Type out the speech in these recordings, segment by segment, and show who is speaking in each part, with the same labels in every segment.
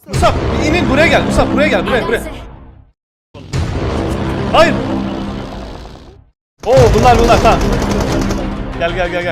Speaker 1: Musab inin buraya gel. Musab buraya gel. Buraya. Hayır. Oo bunlar tamam. Gel.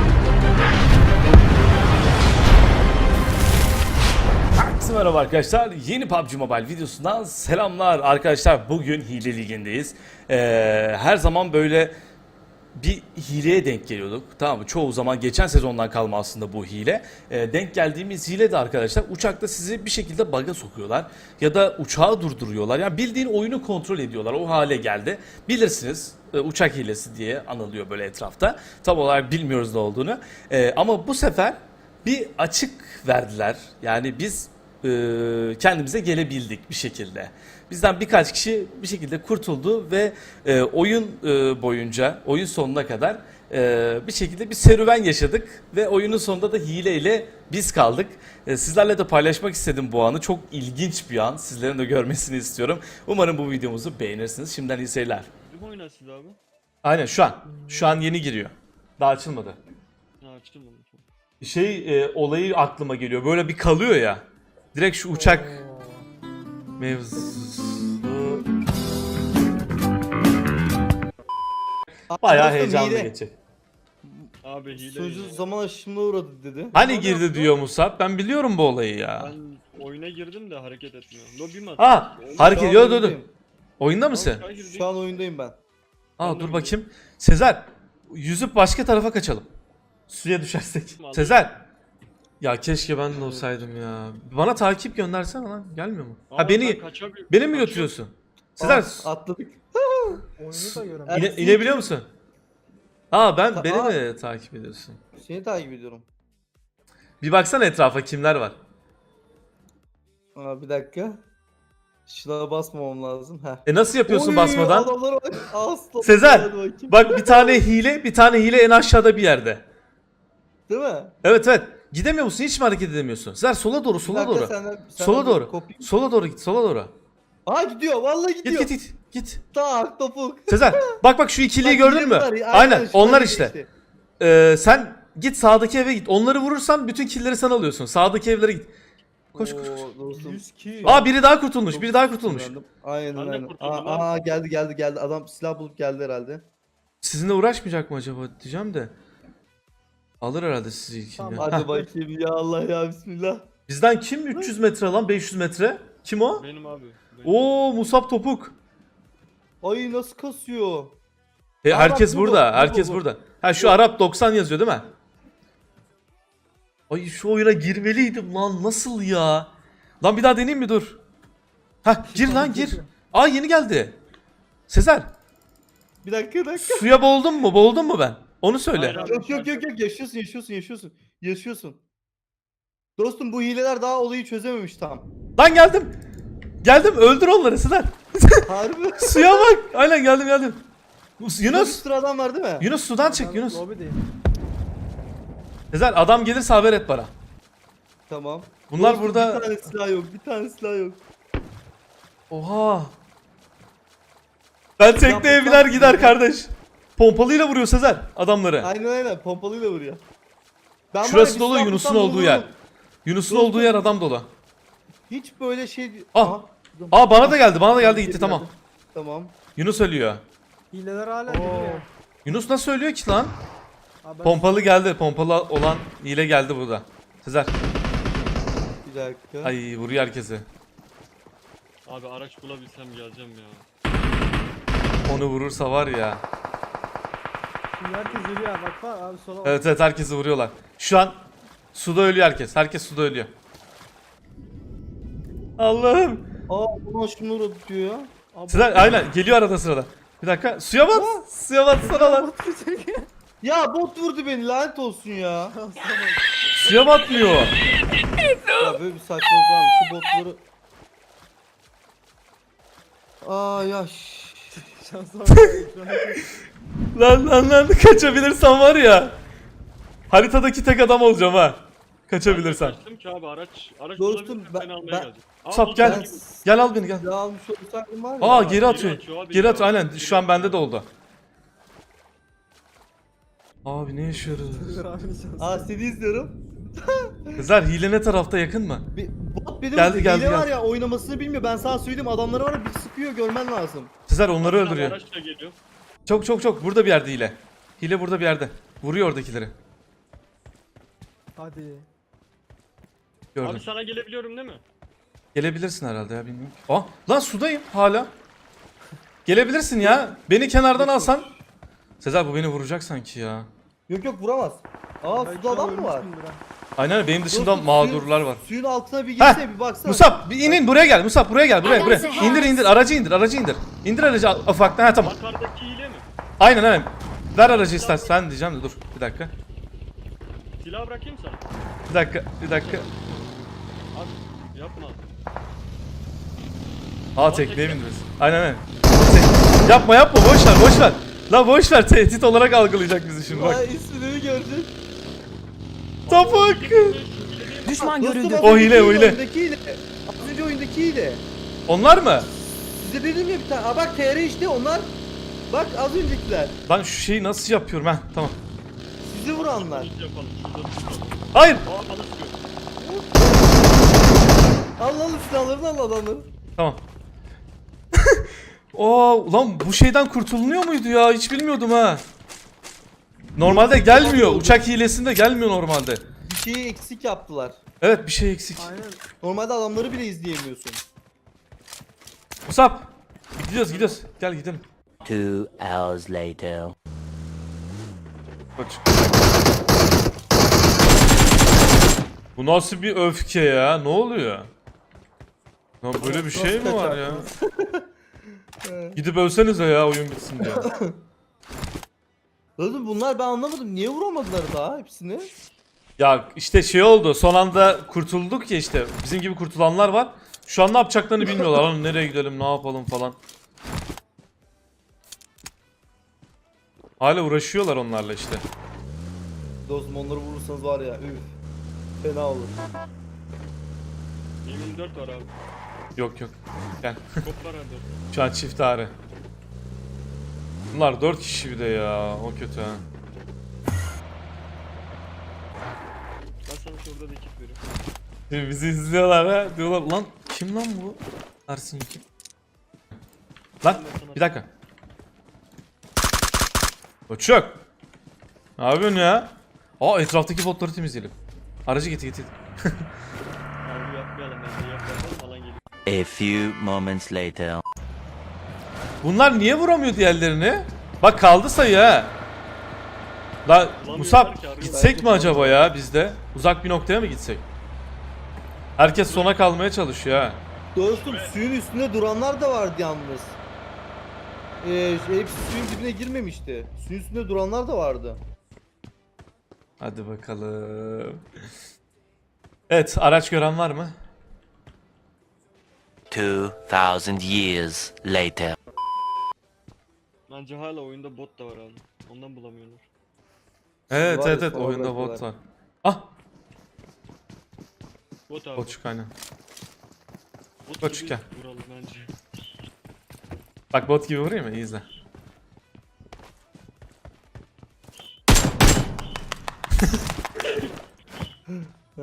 Speaker 1: Herkese merhaba arkadaşlar. Yeni PUBG Mobile videosundan selamlar arkadaşlar. Bugün hile ligindeyiz. Her zaman böyle bir hileye denk geliyorduk. Tamam mı? Çoğu zaman geçen sezondan kalma aslında bu hile. Denk geldiğimiz hile de arkadaşlar uçakta sizi bir şekilde bug'a sokuyorlar. Ya da uçağı durduruyorlar. Yani bildiğin oyunu kontrol ediyorlar. O hale geldi. Bilirsiniz uçak hilesi diye anılıyor böyle etrafta. Tam olarak bilmiyoruz ne olduğunu. Ama bu sefer bir açık verdiler. Yani biz kendimize gelebildik bir şekilde. Bizden birkaç kişi bir şekilde kurtuldu ve oyun boyunca, oyun sonuna kadar bir şekilde bir serüven yaşadık ve oyunun sonunda da hileyle biz kaldık. Sizlerle de paylaşmak istedim bu anı. Çok ilginç bir an. Sizlerin de görmesini istiyorum. Umarım bu videomuzu beğenirsiniz. Şimdiden iyi seyirler.
Speaker 2: Kim oynarsın abi?
Speaker 1: Aynen şu an. Şu an yeni giriyor. Daha açılmadı.
Speaker 2: Ha açılmadı.
Speaker 1: Olayı aklıma geliyor. Böyle bir kalıyor ya. Direkt şu uçak mevzusu. Bayağı heyecanlı geçecek.
Speaker 2: Abi hile.
Speaker 3: Sözü zaman aşımına uğradı dedi.
Speaker 1: Hani girdi diyor Musab. Ben biliyorum bu olayı ya.
Speaker 2: Ben oyuna girdim de hareket etmiyor. Lobi mi
Speaker 1: Aa,
Speaker 2: atıyor?
Speaker 1: hareket
Speaker 3: Şu an
Speaker 1: dur.
Speaker 3: oyundayım.
Speaker 1: Oyunda mısın?
Speaker 3: Şu an oyundayım ben.
Speaker 1: Aa dur bakayım. Sezer, yüzüp başka tarafa kaçalım. Suya düşersek. Sezer. Ya keşke ben de olsaydım ya. Bana takip göndersene lan. Gelmiyor mu? Ha beni mi götürüyorsun? Sezer
Speaker 3: Atladık.
Speaker 4: Oyunu da göremiyorum.
Speaker 1: inebiliyor musun? Aa beni
Speaker 3: Aa.
Speaker 1: mi takip ediyorsun?
Speaker 3: Seni takip ediyorum.
Speaker 1: Bir baksana etrafa kimler var.
Speaker 3: Aa, bir dakika. Şuna basmamam lazım. Heh.
Speaker 1: Nasıl yapıyorsun
Speaker 3: Oy,
Speaker 1: basmadan?
Speaker 3: Adamlara bak. Aslan.
Speaker 1: Sezer,
Speaker 3: Hadi bakayım.
Speaker 1: bak bir tane hile en aşağıda bir yerde.
Speaker 3: Değil mi?
Speaker 1: Evet. Gidemiyor musun? Hiç mi hareket edemiyorsun? Sezer sola doğru,
Speaker 3: Bir
Speaker 1: sola
Speaker 3: dakika,
Speaker 1: doğru.
Speaker 3: senden
Speaker 1: Sola
Speaker 3: bir
Speaker 1: doğru.
Speaker 3: kopayım.
Speaker 1: Sola doğru git, sola doğru.
Speaker 3: Aa gidiyor. Vallahi gidiyor.
Speaker 1: Git.
Speaker 3: Tak topuk.
Speaker 1: Sezer, bak şu ikiliyi
Speaker 3: Bak,
Speaker 1: gördün mü?
Speaker 3: gidiyorlar.
Speaker 1: Aynen,
Speaker 3: şunlar
Speaker 1: onlar
Speaker 3: gidiyor
Speaker 1: işte. Sen git sağdaki eve git. Onları vurursan bütün killleri sen alıyorsun. Sağdaki evlere git. Koş.
Speaker 3: Oo, dostum.
Speaker 4: 100 ki.
Speaker 1: Aa biri daha kurtulmuş.
Speaker 3: Aynen
Speaker 2: Ben de
Speaker 3: aynen.
Speaker 2: kurtuldum
Speaker 3: Aa geldi. Adam silah bulup geldi herhalde.
Speaker 1: Sizinle uğraşmayacak mı acaba diyeceğim de. Alır herhalde sizi ilkini.
Speaker 4: Tamam,
Speaker 1: ya.
Speaker 3: Hadi
Speaker 1: Heh.
Speaker 3: bakayım ya Allah ya bismillah.
Speaker 1: Bizden kim 300 metre lan 500 metre? Kim o?
Speaker 2: Benim abi.
Speaker 1: Oo Musab Topuk.
Speaker 3: Ay nasıl kasıyor?
Speaker 1: Herkes
Speaker 3: bu,
Speaker 1: burada.
Speaker 3: bu,
Speaker 1: Herkes
Speaker 3: bu.
Speaker 1: burada. Ha şu Arap 90 yazıyor değil mi? Ay şu oyuna girmeliydim lan. Nasıl ya? Lan bir daha deneyeyim mi dur. Ha gir lan gir. Aa yeni geldi. Sezer.
Speaker 3: Bir dakika.
Speaker 1: Suya boğuldun mu? Boğuldun mu ben? Onu söyle.
Speaker 2: Hayır.
Speaker 3: Yok yaşıyorsun. Dostum bu hileler daha olayı çözememiş tam.
Speaker 1: Lan geldim. Geldim öldür onları Sezer.
Speaker 3: Harbi.
Speaker 1: Suya bak. Aynen geldim.
Speaker 3: Bir
Speaker 1: Yunus.
Speaker 3: sürü adam var değil mi?
Speaker 1: Yunus sudan çık Yunus.
Speaker 4: Lobideyim.
Speaker 1: Sezer adam gelirse haber et bana.
Speaker 3: Tamam.
Speaker 1: Bunlar
Speaker 3: Dostum,
Speaker 1: burada.
Speaker 3: Bir tane silah yok.
Speaker 1: Oha. Ben tekneye biner gider kardeş. Pompalıyla vuruyor Sezer adamları.
Speaker 3: Aynen pompalıyla vuruyor. Ben var ya,
Speaker 1: Şurası
Speaker 3: bir
Speaker 1: dolu
Speaker 3: silah
Speaker 1: Yunus'un
Speaker 3: bulsam
Speaker 1: olduğu yer.
Speaker 3: vururum.
Speaker 1: Yunus'un
Speaker 3: Dostum.
Speaker 1: olduğu yer adam dolu.
Speaker 3: Hiç böyle şey...
Speaker 1: Ah.
Speaker 3: Aha,
Speaker 1: Aa bana da geldi gitti tamam.
Speaker 3: Tamam.
Speaker 1: Yunus ölüyor.
Speaker 4: Hileler hala geliyor.
Speaker 1: Yunus nasıl ölüyor ki lan?
Speaker 4: Abi ben
Speaker 1: Pompalı geldi. Pompalı olan hile geldi burada. Sezer.
Speaker 3: Bir dakika.
Speaker 1: Ay vuruyor herkesi.
Speaker 2: Abi araç bulabilsem geleceğim ya.
Speaker 1: Onu vurursa var ya.
Speaker 4: şimdi herkes ölüyor bak abi sola bak.
Speaker 1: Evet herkesi vuruyorlar. Şu an suda ölüyor herkes. Herkes suda ölüyor. Allah'ım.
Speaker 3: Aa buna şunu uğradı diyor ya.
Speaker 4: Abi,
Speaker 1: Sezer aynen geliyor arada sırada. Bir dakika suya bat. Suya batsana lan.
Speaker 3: Ya bot vurdu beni lanet olsun ya.
Speaker 1: Suya batmıyor.
Speaker 3: Ya böyle bir saçmalık var mı? Şu botları... Aa ya
Speaker 4: Şansa bak. Şu an
Speaker 1: Lan kaçabilirsem var ya. Haritadaki tek adam olacağım ha. Kaçabilirsem.
Speaker 2: Kaçtım ki abi araç
Speaker 3: Dostum,
Speaker 2: bulabilirsem
Speaker 3: ben-
Speaker 2: seni almaya
Speaker 3: ben-
Speaker 2: geldim. Aa,
Speaker 1: Sap
Speaker 2: buldum.
Speaker 1: gel. Gel al beni gel.
Speaker 3: silah almış olsaydım var ya.
Speaker 1: Aa geri
Speaker 2: geri
Speaker 1: atıyor.
Speaker 2: atıyor abi,
Speaker 1: Geri
Speaker 2: ya.
Speaker 1: atıyor aynen. Şu an bende de oldu. Abi ne yaşıyoruz?
Speaker 4: Sezer abinin şansı.
Speaker 3: Aa seni izliyorum.
Speaker 1: Sezer hile ne tarafta yakın mı?
Speaker 3: Bir bot beni
Speaker 1: Geldi,
Speaker 3: vurdu.
Speaker 1: geldi,
Speaker 3: Hile var
Speaker 1: geldi.
Speaker 3: ya, oynamasını bilmiyor. Ben sana söyleyeyim, adamları var ya, bir sıkıyor, görmen lazım.
Speaker 1: Sezer onları
Speaker 2: Bir tane
Speaker 1: öldürüyor.
Speaker 2: Araç da geliyor.
Speaker 1: Çok burada bir yerde hile. Hile burada bir yerde. Vuruyor oradakileri.
Speaker 4: Hadi.
Speaker 1: Gördüm.
Speaker 2: Abi sana gelebiliyorum değil mi?
Speaker 1: Gelebilirsin herhalde ya, bilmiyorum. Aa lan sudayım hala. Gelebilirsin ya. Beni kenardan alsan. Sezer bu beni vuracak sanki ya.
Speaker 3: Yok yok, vuramaz. Aa,
Speaker 4: Belki
Speaker 3: suda adam mı var?
Speaker 4: ölmüşsündür ha.
Speaker 1: Aynen benim dışımda
Speaker 3: Dostum,
Speaker 1: mağdurlar var.
Speaker 3: Suyun altına bir
Speaker 1: Heh,
Speaker 3: girsene, bir baksana.
Speaker 1: Musab bir inin buraya gel. Musab buraya gel. Buraya. İndir aracı indir. İndir aracı ufaktan. Ha tamam.
Speaker 2: Yukarıdaki hile mi?
Speaker 1: Aynen. Ver aracı istersen diyeceğim de dur bir dakika.
Speaker 2: Silah bırakayım sana.
Speaker 1: Bir dakika.
Speaker 2: Abi yapma.
Speaker 1: Aa tekneye bindiriz. Aynen. Yapma boş ver. La boş ver, tehdit olarak algılayacak bizi şimdi bak.
Speaker 3: Ay, ismini gördün.
Speaker 1: Topuk.
Speaker 5: Düşman
Speaker 3: Dostum,
Speaker 5: görüldü.
Speaker 3: az
Speaker 1: O
Speaker 3: önceki
Speaker 1: hile.
Speaker 3: oyundaki hile. Az önce oyundaki hile.
Speaker 1: Onlar mı?
Speaker 3: Size dedim ya bir tane. Aa bak, TR işte onlar. Bak, az öncekiler.
Speaker 1: Ben şu şeyi nasıl yapıyorum ha? Tamam.
Speaker 3: Sizi vuranlar.
Speaker 2: Biz yapalım. Şurada tutalım.
Speaker 1: Hayır.
Speaker 2: Aa bana sıkıyor.
Speaker 3: Al silahlarını, al adamları.
Speaker 1: Tamam. Oo, ulan bu şeyden kurtulunuyor muydu ya? Hiç bilmiyordum ha. Normalde gelmiyor. Uçak hilesinde gelmiyor normalde.
Speaker 3: Bir şeyi eksik yaptılar.
Speaker 1: Evet bir şey eksik.
Speaker 4: Aynen.
Speaker 3: Normalde adamları bile izleyemiyorsun.
Speaker 1: Musab. Gidiyoruz. Gel gidelim.
Speaker 5: 2 hours later.
Speaker 1: Kaç. Bu nasıl bir öfke ya? Ne oluyor? Lan böyle bir şey mi var ya? Gidip ölsenize ya, oyun bitsin diye.
Speaker 3: Oğlum bunlar, ben anlamadım. Niye vuramadılar daha hepsini?
Speaker 1: Ya işte şey oldu. Son anda kurtulduk ya işte. Bizim gibi kurtulanlar var. Şu an ne yapacaklarını bilmiyorlar. Lan nereye gidelim, ne yapalım falan. Hala uğraşıyorlar onlarla işte.
Speaker 3: Dostum, onları vurursanız var ya, üf. Fena olur.
Speaker 2: 24 var abi.
Speaker 1: Yok. Gel.
Speaker 2: Kop var abi.
Speaker 1: Şu an çift ağrı. Bunlar 4 kişi bir de ya. O kötü ha.
Speaker 2: Ben sana şurada da ekip veriyorum.
Speaker 1: Şimdi bizi izliyorlar ha. Diyorlar lan kim lan bu? Ersin kim? Lan bir dakika. Koçuk. Ne yapıyorsun ya? Aa etraftaki botları temizleyelim. Aracı getir.
Speaker 2: Abi yapmayalım bence, yapmayalım falan geliyor.
Speaker 5: A few moments later.
Speaker 1: Bunlar niye vuramıyor diğerlerini? Bak kaldı sayı ha. La Musab gitsek mi acaba ya biz de? Uzak bir noktaya mı gitsek? Herkes sona kalmaya çalışıyor ha.
Speaker 3: Dostum, suyun üstünde duranlar da vardı yalnız. Hepsi suyun dibine girmemişti. Suyun üstünde duranlar da vardı.
Speaker 1: Hadi bakalım. Evet, araç gören var mı?
Speaker 5: 2000 years later.
Speaker 2: Bence hala oyunda bot da var abi. Ondan bulamıyorlar.
Speaker 1: Evet
Speaker 3: Var ya,
Speaker 1: evet
Speaker 3: sonra
Speaker 1: oyunda bot
Speaker 3: bırakıyorlar.
Speaker 1: var. Ah,
Speaker 2: Bot abi.
Speaker 1: Boçuk aynen.
Speaker 2: Bot
Speaker 1: Boçuk
Speaker 2: gibi
Speaker 1: gel.
Speaker 2: vuralım bence.
Speaker 1: Bak bot gibi vurayım mı? İyi izle.
Speaker 3: He.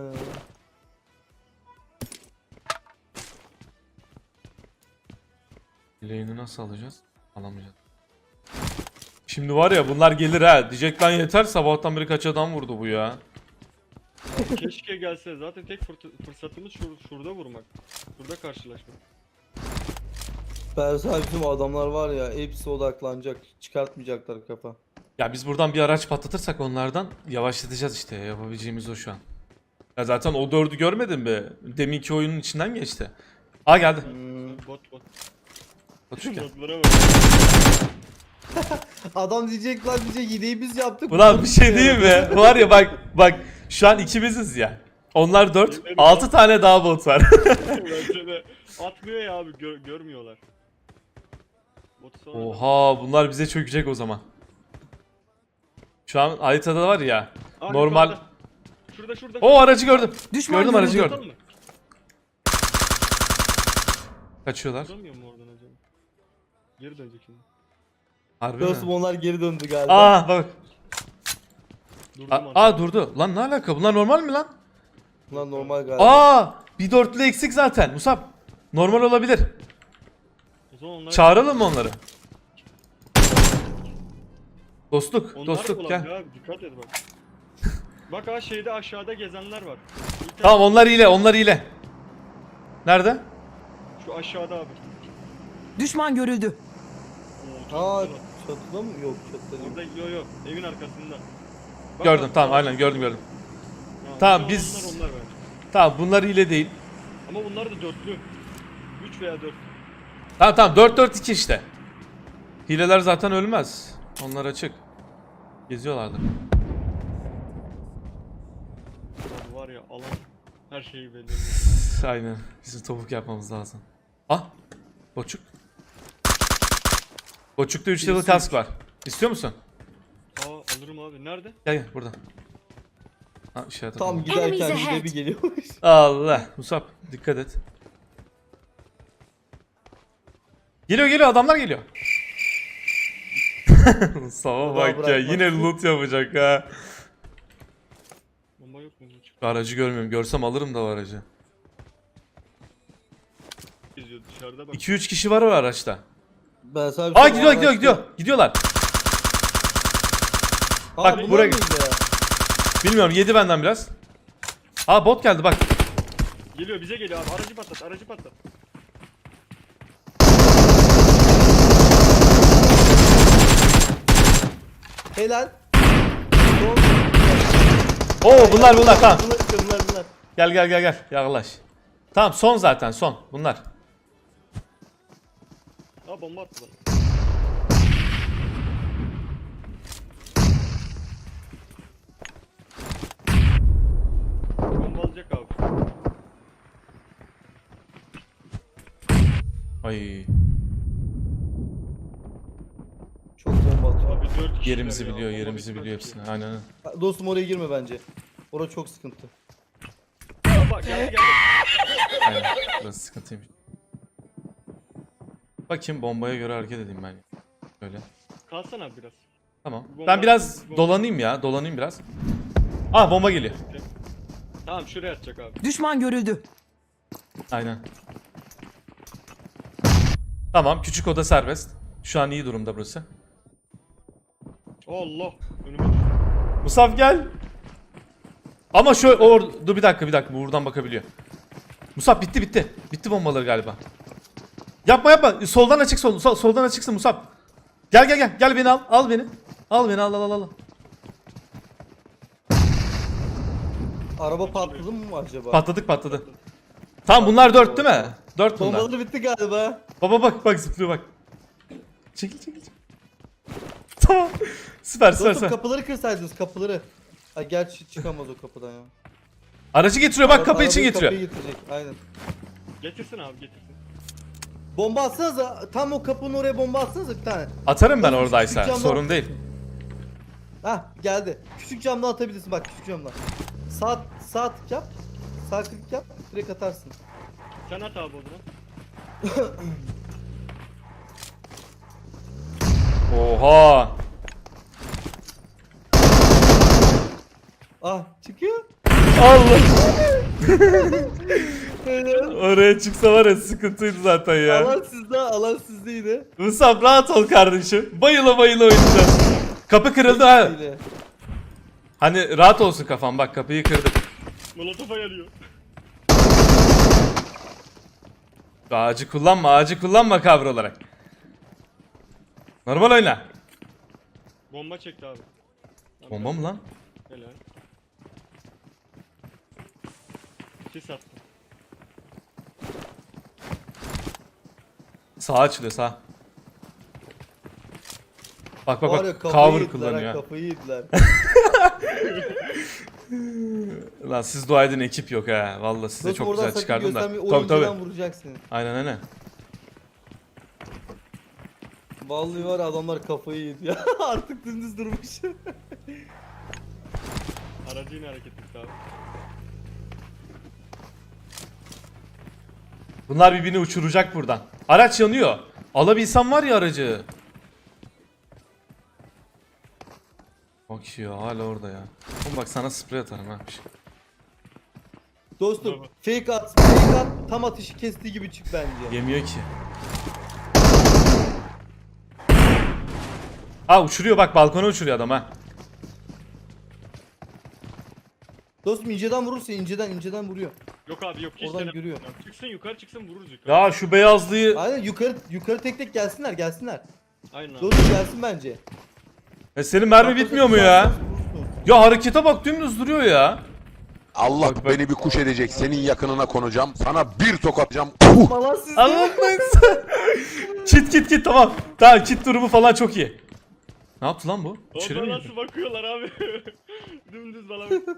Speaker 1: Lane'i nasıl alacağız? Alamayacağız. Şimdi var ya bunlar gelir ha. Diyecek lan yeter, sabahtan beri kaç adam vurdu bu ya.
Speaker 2: Keşke gelse. Zaten tek fırsatımız şurada vurmak. Şurada karşılaşmak.
Speaker 3: Persal, bizim adamlar var ya, hepsi odaklanacak. Çıkartmayacaklar kafa.
Speaker 1: Ya biz buradan bir araç patlatırsak onlardan yavaşlatacağız işte. Yapabileceğimiz o şu an. Ya zaten o 4'ü görmedin mi? Deminki oyunun içinden geçti. Aa geldi.
Speaker 2: Bot.
Speaker 1: Botçuk gel.
Speaker 2: Botlara bak.
Speaker 3: Adam diyecek lan, diyecek hileyi biz yaptık.
Speaker 1: Ulan bir şey diyeyim mi? Var ya bak şu an ikimiziz ya. Onlar 4, 6 tane daha bot var.
Speaker 2: Bence de. Atmıyor ya abi, görmüyorlar. Botu sonra
Speaker 1: Oha bunlar bize çökecek o zaman. Şu an haritada var ya.
Speaker 2: Aa,
Speaker 1: Normal.
Speaker 2: yukarıda. Şurada.
Speaker 1: O aracı gördüm.
Speaker 5: Düşman
Speaker 1: Gördüm aracı
Speaker 5: görüldü.
Speaker 1: gördüm. Kaçıyorlar.
Speaker 2: Duramıyor mu oradan acaba? Geri dönecek şimdi.
Speaker 1: Harbi
Speaker 3: Dostum,
Speaker 1: mi?
Speaker 3: onlar geri döndü galiba.
Speaker 1: Aa bak.
Speaker 2: Durdum
Speaker 1: Aa durdu. Lan ne alaka? Bunlar normal mi lan?
Speaker 3: Bunlar normal galiba.
Speaker 1: Aa! Bir dörtlü eksik zaten Musab. Normal olabilir.
Speaker 2: O zaman onlar...
Speaker 1: Çağıralım mı onları? Dostluk,
Speaker 2: Onlar
Speaker 1: dostluk
Speaker 2: ulan
Speaker 1: gel.
Speaker 2: ya, dikkat et bak. Bak ha şeyde aşağıda gezenler var. Bir
Speaker 1: Tamam onlar ile, onlar ile. Nerede?
Speaker 2: Şu aşağıda abi.
Speaker 5: Düşman görüldü.
Speaker 2: Oo, çok
Speaker 3: Aa
Speaker 2: güzel.
Speaker 3: çatıda mı? Yok çatıda değil.
Speaker 2: Orada yok evin arkasında. Bak,
Speaker 1: Gördüm
Speaker 2: bak,
Speaker 1: tamam
Speaker 2: bak.
Speaker 1: aynen gördüm.
Speaker 2: Ya,
Speaker 1: Tamam,
Speaker 2: onlar,
Speaker 1: biz-
Speaker 2: Onlar bence.
Speaker 1: Tamam bunlar ile değil.
Speaker 2: Ama bunlar da dörtlü. 3 veya 4.
Speaker 1: Tamam 4-4-2 işte. Hileler zaten ölmez. Onlar açık. Geziyorlardı.
Speaker 2: Abi var ya alan her şeyi belli.
Speaker 1: Aynen. Bizim topuk yapmamız lazım. Ah! Boçuk. Boçukta 3 level kask var. İstiyor musun?
Speaker 2: Aa alırım abi. Nerede?
Speaker 1: Gel gel burada. Ha işaret
Speaker 3: Tam
Speaker 1: atalım.
Speaker 3: giderken
Speaker 6: Enemies
Speaker 3: bir de
Speaker 6: ahead.
Speaker 3: bir geliyormuş.
Speaker 1: Allah. Musab dikkat et. Geliyor adamlar geliyor. Musab'a bak ya
Speaker 3: bırakmaz.
Speaker 1: yine loot yapacak ha.
Speaker 2: Bomba yok mu? Çık
Speaker 1: Aracı görmüyorum. Görsem alırım da o aracı.
Speaker 2: geziyor dışarıda bak.
Speaker 1: 2-3 kişi var o araçta.
Speaker 3: Ben sana bir
Speaker 1: Aa
Speaker 3: şey
Speaker 1: gidiyor
Speaker 3: söyleyeyim.
Speaker 1: gidiyorlar.
Speaker 3: Aa,
Speaker 1: Bak,
Speaker 3: bunlar
Speaker 1: buraya-
Speaker 3: mıydı ya?
Speaker 1: Bilmiyorum yedi benden biraz. Aa bot geldi bak.
Speaker 2: Geliyor bize geliyor abi. Aracı patlat, aracı patlat.
Speaker 3: Helal.
Speaker 1: Oo bunlar tamam.
Speaker 3: Bunlar.
Speaker 1: Gel yaklaş. Tamam son zaten son bunlar.
Speaker 2: Aa bomba attı bana. Bomba alacak abi.
Speaker 1: Ay
Speaker 3: Çok bomba atıyor.
Speaker 2: Abi 4 kişi.
Speaker 1: yerimizi biliyor yerimizi hepsini aynen.
Speaker 3: Ha, dostum oraya girme bence. Orada çok sıkıntı.
Speaker 2: Bak geldi.
Speaker 1: Aynen burası sıkıntıymış. Bakayım bombaya göre hareket edeyim ben. Böyle.
Speaker 2: Kalsana abi biraz.
Speaker 1: Tamam.
Speaker 2: Bomba-
Speaker 1: Ben biraz
Speaker 2: bomba-
Speaker 1: dolanayım biraz. Aa bomba geliyor.
Speaker 2: Tamam şuraya atacak abi.
Speaker 5: Düşman görüldü.
Speaker 1: Aynen. Tamam küçük oda serbest. Şu an iyi durumda burası.
Speaker 2: Allah. Önüme düştü.
Speaker 1: Musaf gel. Ama dur bir dakika buradan bakabiliyor. Musaf bitti. Bitti bombaları galiba. Yapma. Soldan açık soldan açıksın Musaf. Gel beni al beni. Al beni al.
Speaker 3: Araba patladı mı acaba?
Speaker 1: Patladı. Tamam bunlar 4 değil mi? 4 bunlar.
Speaker 3: Bombaları bitti galiba.
Speaker 1: Baba bak zıplıyor bak. Çekil. Tamam. Süper.
Speaker 3: Dostum kapıları kırsaydınız kapıları. Ha gerçi çıkamaz o kapıdan ya.
Speaker 1: Aracı getiriyor bak kapı için
Speaker 3: Arabayı
Speaker 1: getiriyor.
Speaker 3: Kapıyı getirecek aynen.
Speaker 2: Getirsin abi getirsin.
Speaker 3: Bomba atsanıza tam o kapının oraya bomba atsanıza bir tane.
Speaker 1: Atarım ben
Speaker 3: Küçük
Speaker 1: oradaysa
Speaker 3: camdan-
Speaker 1: sorun değil.
Speaker 3: Hah geldi. Küçük camdan atabilirsin bak küçük camdan. Sağ tık yap. Sağ klik yap. Direkt atarsın.
Speaker 2: Sen at abi o zaman.
Speaker 1: Oha.
Speaker 3: Ah çıkıyor.
Speaker 1: Allah. Oraya çıksa var ya sıkıntıydı zaten ya.
Speaker 3: Alan sizde yine.
Speaker 1: Musab rahat ol kardeşim. Bayıla oynayacağız. Kapı kırıldı ha.
Speaker 3: Yine.
Speaker 1: Hani rahat olsun kafam bak kapıyı kırdık.
Speaker 2: Molotof'a yarıyor.
Speaker 1: Ağacı kullanma kavra olarak. Normal oyna.
Speaker 2: Bomba çekti abi.
Speaker 1: Bomba mı lan?
Speaker 2: Helal. Sis attı.
Speaker 1: Sağ açılıyor sağ. Bak
Speaker 3: Var ya, kafayı
Speaker 1: cover
Speaker 3: yediler ha,
Speaker 1: kullanıyor.
Speaker 3: Kafayı yediler.
Speaker 1: Lan siz dua edin ekip yok ha. Vallahi size
Speaker 3: Dostum
Speaker 1: çok
Speaker 3: oradan
Speaker 1: güzel
Speaker 3: sakın
Speaker 1: çıkardım da.
Speaker 3: göstermeyi,
Speaker 1: Tabii
Speaker 3: oyuncudan vuracak seni.
Speaker 1: Aynen.
Speaker 3: Vallahi var ya, adamlar kafayı yedi ya. Artık dümdüz durmuş.
Speaker 2: Aracı yine hareket etti abi.
Speaker 1: Bunlar birbirini uçuracak buradan. Araç yanıyor. Alabilsem var ya aracı. Bak ya hala orada ya. Oğlum bak sana sprey atarım ha.
Speaker 3: Dostum
Speaker 2: Bravo.
Speaker 3: fake at, fake at, tam atışı kestiği gibi çık bence.
Speaker 1: Yemiyor ki. Aa uçuruyor bak, balkona uçuruyor adam ha.
Speaker 3: Dostum inceden vurursa inceden vuruyor.
Speaker 2: Yok abi yok hiç
Speaker 3: Oradan
Speaker 2: deneme.
Speaker 3: görüyor.
Speaker 2: Çıksın yukarı çıksın vururuz yukarı.
Speaker 1: Ya şu beyazlıyı.
Speaker 3: Aynen yukarı tek tek gelsinler.
Speaker 2: Aynen abi.
Speaker 3: Dostum gelsin bence.
Speaker 1: Senin mermi bitmiyor mu ya?
Speaker 3: Vurursun.
Speaker 1: Ya harekete bak, dümdüz duruyor ya.
Speaker 6: Allah
Speaker 1: Bak, bak.
Speaker 6: beni bir kuş edecek. Senin yakınına konacağım. Sana bir tokatacağım.
Speaker 3: Falan siz
Speaker 1: Anlatmayın. Kit tamam. Tamam, kit durumu falan çok iyi. Ne yaptı lan bu? İçeri mi
Speaker 2: Orada
Speaker 1: girdi?
Speaker 2: nasıl bakıyorlar abi? Dümdüz bana bak.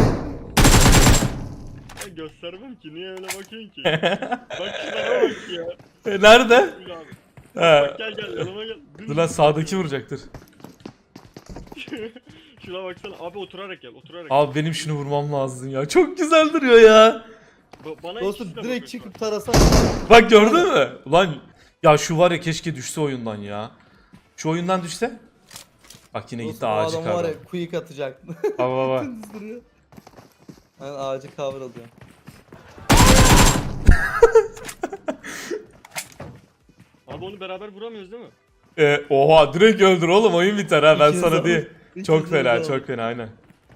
Speaker 2: Ben göstermem ki niye öyle bakıyorsun ki? Bak şuna bak ya.
Speaker 1: Nerede?
Speaker 2: Dur abi.
Speaker 1: He.
Speaker 2: Bak gel yanıma gel. Dümdüz.
Speaker 1: Dur lan, sağdaki vuracaktır.
Speaker 2: Şuna baksana abi oturarak gel oturarak.
Speaker 1: Abi benim şunu vurmam lazım ya. Çok güzel duruyor ya.
Speaker 2: Bana
Speaker 3: Dostum
Speaker 2: ikisine
Speaker 3: direkt
Speaker 2: bakıyorsun.
Speaker 3: çıkıp tarasan.
Speaker 1: Bak gördün mü? Ulan ya şu var ya, keşke düşse oyundan ya. Şu oyundan düşse. Bak yine gitti
Speaker 3: Dostum o
Speaker 1: ağacı
Speaker 3: adam var
Speaker 1: kavradı.
Speaker 3: ya quick atacak.
Speaker 1: Baba.
Speaker 3: Dümdüz duruyor. Yani ağacı cover alıyor.
Speaker 2: Abi onu beraber vuramıyoruz değil mi?
Speaker 1: Oha, direkt öldür oğlum, oyun biter ha, ben
Speaker 3: İkiniz
Speaker 1: sana
Speaker 3: alın.
Speaker 1: diyeyim.
Speaker 3: İkiniz
Speaker 1: Çok fena,
Speaker 3: alın.
Speaker 1: çok fena, aynen.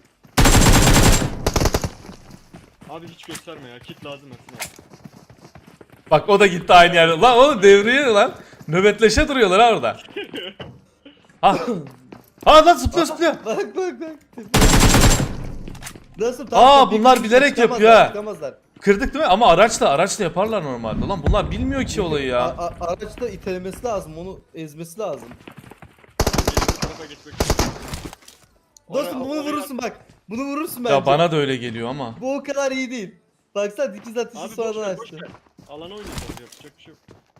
Speaker 2: Abi hiç gösterme ya kit lazım Ersin abi.
Speaker 1: Bak o da gitti aynı yerde. Lan oğlum devriye lan. Nöbetleşe duruyorlar ha orada. Ha. Ha lan zıplıyor.
Speaker 3: Bak. Nasıl?
Speaker 1: Aa,
Speaker 3: bir
Speaker 1: bunlar
Speaker 3: kişi
Speaker 1: bilerek
Speaker 3: çıkamazlar,
Speaker 1: yapıyor ha.
Speaker 3: çıkamazlar.
Speaker 1: Kırdık değil mi? Ama araçla yaparlar normalde. Lan bunlar bilmiyor ki olayı ya.
Speaker 3: Araçta itelemesi lazım, onu ezmesi lazım.
Speaker 2: Bu tarafa geçmek için.
Speaker 3: Dostum bunu
Speaker 2: Oraya-
Speaker 3: vurursun bak. Bunu vurursun bence.
Speaker 1: Ya bana da öyle geliyor ama.
Speaker 3: Bu o kadar iyi değil. Baksana dikiz atışı
Speaker 2: Abi boş
Speaker 3: sonradan
Speaker 2: ver boş
Speaker 3: açtı.
Speaker 2: ver. Alana oynayacağız yapacak bir şey yok.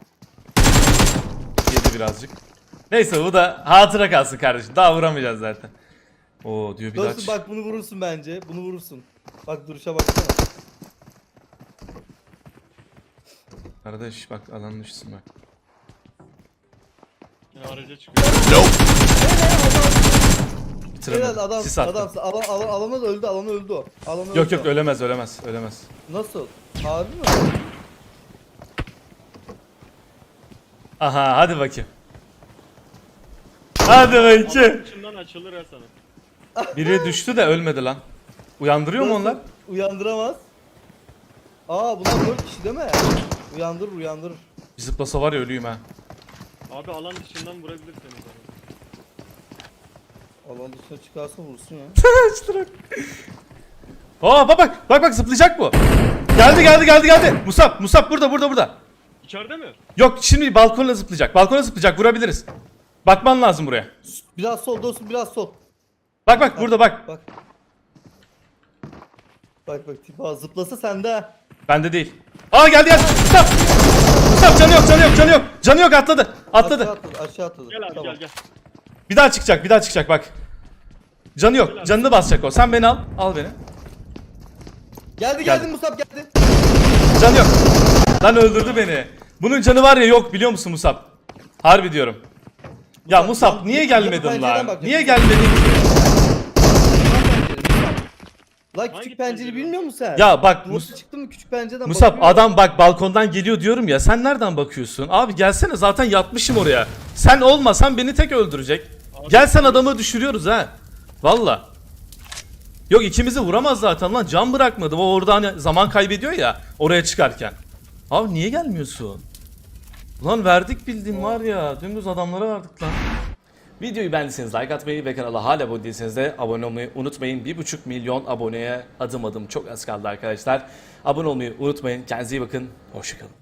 Speaker 1: Yedi birazcık. Neyse, bu da hatıra kalsın kardeşim. Daha vuramayacağız zaten. Oo diyor bir daha.
Speaker 3: Dostum bak bunu vurursun bence. Bunu vurursun. Bak duruşa baksana.
Speaker 1: Kardeş bak, alanın düşsün bak.
Speaker 2: Ya araca çıkıyor.
Speaker 1: Bitiremedim.
Speaker 3: Helal adam,
Speaker 1: Sis attı.
Speaker 3: adam, alana öldü o. Alana
Speaker 1: Yok
Speaker 3: öldü o.
Speaker 1: ölemez.
Speaker 3: Nasıl? Harbi mi?
Speaker 1: Aha, hadi bakayım. Hadi bakayım.
Speaker 2: Alanın içinden açılır ya sana.
Speaker 1: Biri düştü de ölmedi lan. Uyandırıyor mu
Speaker 3: Dostum,
Speaker 1: onlar?
Speaker 3: Uyandıramaz. Aa bunlar 4 kişi değil mi? Uyandırır.
Speaker 1: Bir zıplasa var ya, ölüyüm ha.
Speaker 2: Abi alan dışından vurabilir seni zaten.
Speaker 3: Alan dışına çıkarsa vursun ya.
Speaker 1: Aa bak zıplayacak bu. Geldi. Musab burada.
Speaker 2: İçeride mi?
Speaker 1: Yok, şimdi balkona zıplayacak. Vurabiliriz. Bakman lazım buraya.
Speaker 3: Biraz sol dostum, biraz sol.
Speaker 1: Bak burada bak.
Speaker 3: Bak. Bak tipa zıplasa sende ha.
Speaker 1: Bende değil. Aa geldi. Musab canı yok, atladı.
Speaker 3: Aşağı atladı.
Speaker 2: Gel abi
Speaker 3: Tamam.
Speaker 2: gel.
Speaker 1: Bir daha çıkacak bak. Canı yok. Canını basacak o. Sen beni al beni.
Speaker 3: Geldi Musab geldi.
Speaker 1: Canı yok. Lan öldürdü beni. Bunun canı var ya, yok biliyor musun Musab? Harbi diyorum. Ya Musab niye gelmedin
Speaker 3: pencereden
Speaker 1: lan?
Speaker 3: bak.
Speaker 1: Niye gelmedin ki?
Speaker 3: Lan
Speaker 2: Hangi
Speaker 3: küçük pencere
Speaker 2: pencere?
Speaker 3: bilmiyor musun sen?
Speaker 1: Ya bak
Speaker 3: Nasıl çıktı mı küçük pencereden
Speaker 1: Musab,
Speaker 3: bakıyor.
Speaker 1: adam bak balkondan geliyor diyorum ya, sen nereden bakıyorsun? Abi gelsene, zaten yatmışım oraya. Sen olmasan beni tek öldürecek. Gel sen, adamı düşürüyoruz ha. Valla. Yok, ikimizi vuramaz zaten lan, can bırakmadı. O orada hani zaman kaybediyor ya oraya çıkarken. Abi niye gelmiyorsun? Ulan verdik bildiğin var ya, dümdüz adamlara verdik lan. Videoyu beğendiyseniz like atmayı ve kanala hala abone değilseniz de abone olmayı unutmayın. 1,5 milyon aboneye adım çok az kaldı arkadaşlar. Abone olmayı unutmayın. Kendinize iyi bakın. Hoşçakalın.